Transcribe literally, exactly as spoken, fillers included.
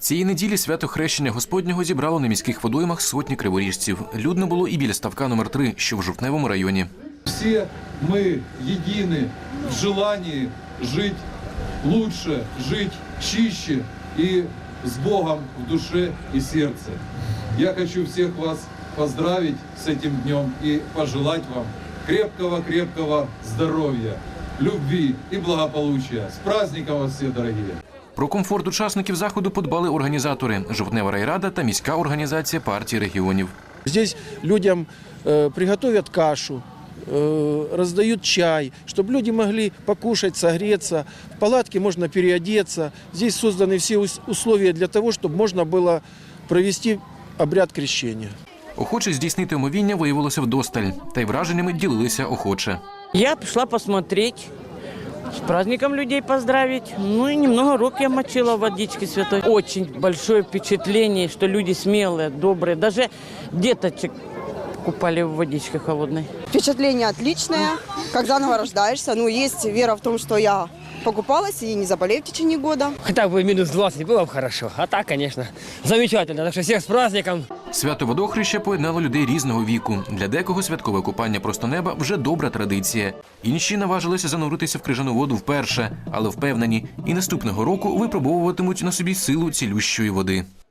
Цієї неділі свято Хрещення Господнього зібрало на міських водоймах сотні криворіжців. Людно було і біля ставка номер три, що в Жовтневому районі. Всі ми єдині в желанні жити лучше, жити чище і з Богом в душі і серці. Я хочу всіх вас поздравить з цим днем і пожелати вам крепкого-крепкого здоров'я, любви і благополуччя. З праздником вас всі, дорогі! Про комфорт учасників заходу подбали організатори – Жовтнева райрада та міська організація партії регіонів. Здесь людям э, приготовят кашу, э, раздают чай, чтобы люди могли покушать, согреться. В палатке можно переодеться. Здесь созданы все условия для того, чтобы можно было провести обряд крещения. Охочих здійснити омовіння виявилося вдосталь, та й враженнями ділилися охоче. Я пришла посмотреть, с праздником людей поздравить. Ну и немного рук я мочила в водичке святой. Очень большое впечатление, что люди смелые, добрые. Даже деточек купали в водичке холодной. Впечатление отличное, как заново рождаешься. Ну, есть вера в том, что я покупалась и не заболею в течение года. Хотя бы минус двадцать было бы хорошо, а так, конечно, замечательно. Так что всех с праздником. Свято водохреща поєднало людей різного віку. Для декого святкове купання просто неба вже добра традиція. Інші наважилися зануритися в крижану воду вперше, але впевнені, і наступного року випробовуватимуть на собі силу цілющої води.